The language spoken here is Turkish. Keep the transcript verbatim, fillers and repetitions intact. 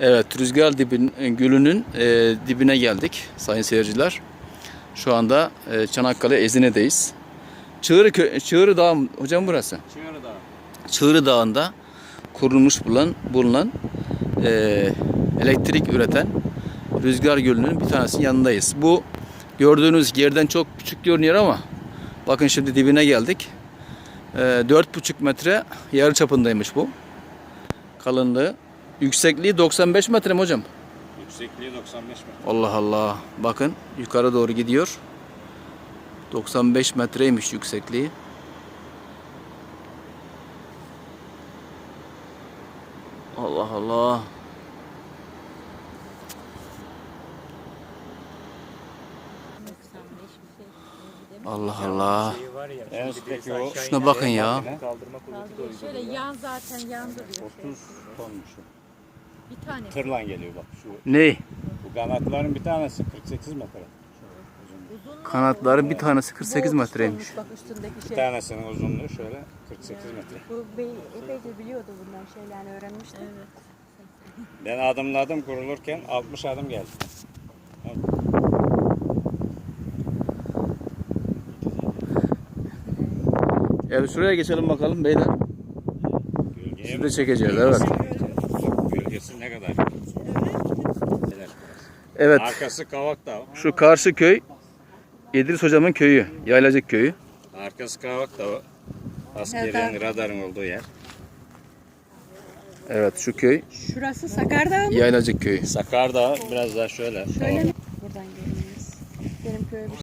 Evet, Rüzgar dibin, Gölü'nün e, dibine geldik sayın seyirciler. Şu anda e, Çanakkale Ezine'deyiz. Çığırı, Kö- Çığırı Dağı mı hocam burası? Çığırı Dağı. Çığırı Dağı'nda kurulmuş bulunan, bulunan e, elektrik üreten Rüzgar Gölü'nün bir tanesinin yanındayız. Bu gördüğünüz yerden çok küçük görünüyor ama bakın şimdi dibine geldik. E, dört buçuk metre yarı çapındaymış bu. Kalınlığı. Yüksekliği doksan beş metre mi hocam? Yüksekliği doksan beş metre. Allah Allah. Bakın yukarı doğru gidiyor. doksan beş metreymiş yüksekliği. Allah Allah. Allah Allah. En üstteki o. Şuna bakın ya. Kaldırma kuvveti de Şöyle yan zaten yandırıyor. otuz tonmuş. Bir tane. Tırla geliyor bak şu. Ne? Bu kanatların bir tanesi kırk sekiz metre. Uzun Kanatların bir tanesi kırk sekiz metreymiş. Bak üstündeki Bir şey. tanesinin uzunluğu şöyle kırk sekiz metre. Bu bey epeyce biliyordu bundan şeylerini öğrenmişti. Evet. Ben adımladım kurulurken altmış adım geldi. Evet şuraya geçelim bakalım beyler. Gölgeye Siz de bak. çekeceğiz evet. Gölgesi ne kadar? Evet Arkası Kavak Dağı. şu karşı köy İdris hocamın köyü. Yaylacık köyü. Arkası Kavak Dağı. Askerin, radarın olduğu yer. Evet şu köy Şurası Sakardağ mı? Yaylacık köyü. Sakar Dağı biraz daha şöyle. Şöyle mi? Buradan geliniz. Benim köyüm